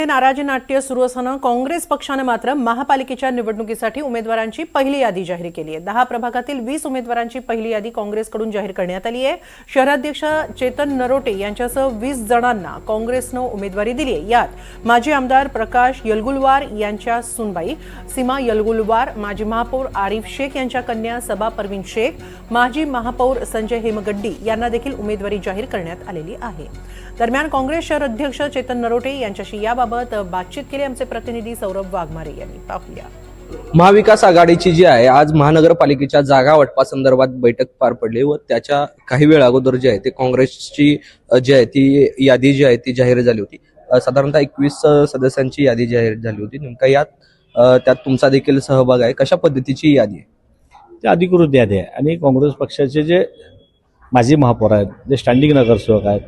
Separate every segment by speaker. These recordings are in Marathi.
Speaker 1: नाराजी नाट्य सुरू असताना काँग्रेस पक्षाने मात्र महापालिकेच्या निवडणुकीसाठी उमेदवारांची पहिली यादी जाहीर केली आहे। 10 प्रभागातील 20 उमेदवारांची पहिली यादी काँग्रेसकडून जाहीर करण्यात आली आहे। शहराध्यक्ष चेतन नरोटे यांच्यासह 20 जणांना काँग्रेसने उमेदवारी दिली आहे। यात माजी आमदार प्रकाश यलगुलवार यांच्या सुनबाई सीमा यलगुलवार, माजी महापौर आरिफ शेख यांच्या कन्या सबा परवीन शेख, माजी महापौर संजय हेमगड्डी यांना देखील उमेदवारी जाहीर करण्यात आलेली आहे। दरम्यान काँग्रेस शहर अध्यक्ष चेतन नरोटे यांच्याशी याबाबत बातचीत केली आमचे प्रतिनिधी सौरभ वाघमारे यांनी। पाहूया।
Speaker 2: महाविकास आघाडीची जी आहे आज महानगरपालिकेच्या जागा वाटपासंदर्भात बैठक पार पडली व त्याच्या काही वेळ अगोदर जे आहे ते काँग्रेसची जी आहे ती यादी जी आहे ती जाहीर झाली होती। साधारणतः 21 सदस्यांची यादी जाहीर झाली होती। नेमका त्यात तुमचा देखील सहभाग आहे। कशा पद्धतीची यादी आहे?
Speaker 3: ती अधिकृत यादी आहे आणि काँग्रेस पक्षाचे जे माजी महापौर आहेत, जे स्टँडिंग नगरसेवक आहेत,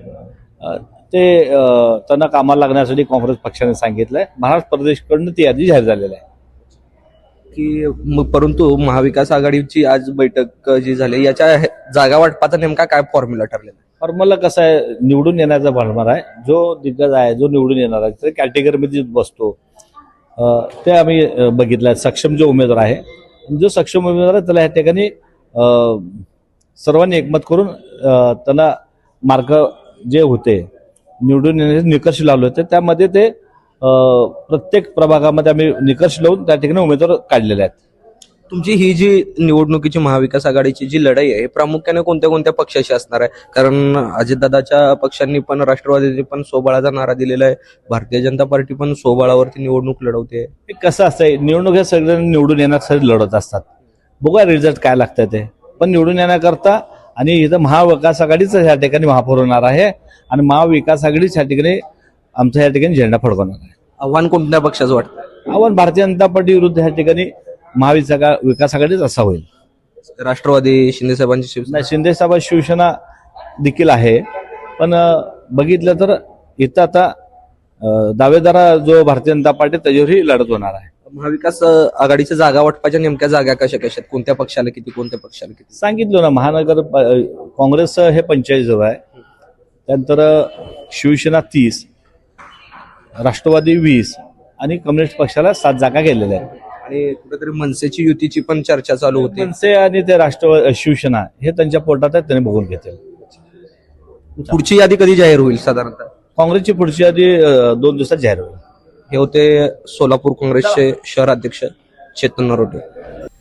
Speaker 3: ते त्यांना कामाला लागण्यासाठी काँग्रेस पक्षाने सांगितलंय। महाराष्ट्र प्रदेशकडून ती यादी जाहीर झालेली आहे
Speaker 2: की परंतु महाविकास आघाडीची आज बैठक जी झाली याच्या जागा वाटपाचा नेमका काय फॉर्म्युला ठरलेला?
Speaker 3: फॉर्म्युला कसं आहे, निवडून येण्याचा फॉर्म्युला आहे। जो दिग्गज आहे, जो निवडून येणार आहे त्या कॅटेगरीमध्ये बसतो ते आम्ही बघितलं। सक्षम जो उमेदवार आहे, जो सक्षम उमेदवार आहे त्याला या ठिकाणी सर्वांनी एकमत करून त्यांना मार्क जे होते निवडून येण्याचे निकष लावले होते, त्यामध्ये ते प्रत्येक प्रभागामध्ये आम्ही निकष लावून त्या ठिकाणी उमेदवार काढलेले आहेत।
Speaker 2: तुमची ही जी निवडणुकीची महाविकास आघाडीची जी लढाई आहे प्रामुख्याने कोणत्या कोणत्या पक्षाशी असणार आहे? कारण अजितदादाच्या पक्षांनी पण, राष्ट्रवादीने पण सोबाळाचा नारा दिलेला आहे, भारतीय जनता पार्टी पण सोबाळावरती निवडणूक लढवते।
Speaker 3: कसं असतंय, निवडणूक हे सगळ्यांनी निवडून येण्यासाठी लढत असतात। बघूया रिझल्ट काय लागतं ते, पण निवडून येण्याकरता आणि इथं महाविकास आघाडीच या ठिकाणी महापौर होणार आहे आणि महाविकास आघाडीच या ठिकाणी आमच्या या ठिकाणी झेंडा फडकवणार आहे।
Speaker 2: आव्हान कोणत्या पक्षाचं वाटतं?
Speaker 3: आव्हान भारतीय जनता पार्टी विरुद्ध या ठिकाणी महाविकास आघाडीच असा होईल।
Speaker 2: राष्ट्रवादी शिंदे साहेबांची शिवसेना,
Speaker 3: शिंदे साहेब शिवसेना देखील आहे, पण बघितलं तर इथं आता दावेदार जो भारतीय जनता पार्टी त्याच्यावरही लढत होणार आहे।
Speaker 2: महाविकास आघाडीच्या जागा वाटपाच्या नेमक्या जागा कशा कशा आहेत? कोणत्या पक्षाला किती, कोणत्या पक्षाला किती?
Speaker 3: सांगितलं ना, महानगर काँग्रेस हे 45 जवळ आहे, त्यानंतर शिवसेना 30, राष्ट्रवादी 20 आणि कम्युनिस्ट पक्षाला 7 जागा गेलेल्या आहेत।
Speaker 2: आणि कुठेतरी मनसेची युतीची पण चर्चा चालू होती।
Speaker 3: मनसे आणि ते राष्ट्रवादी शिवसेना हे त्यांच्या पोटात आहे, त्यांनी बघून घेतील।
Speaker 2: पुढची यादी कधी जाहीर होईल साधारणतः?
Speaker 3: काँग्रेसची पुढची यादी 2 दिवसात जाहीर होईल।
Speaker 2: हे होते सोलापूर काँग्रेसचे शहर अध्यक्ष चेतन नरोटे।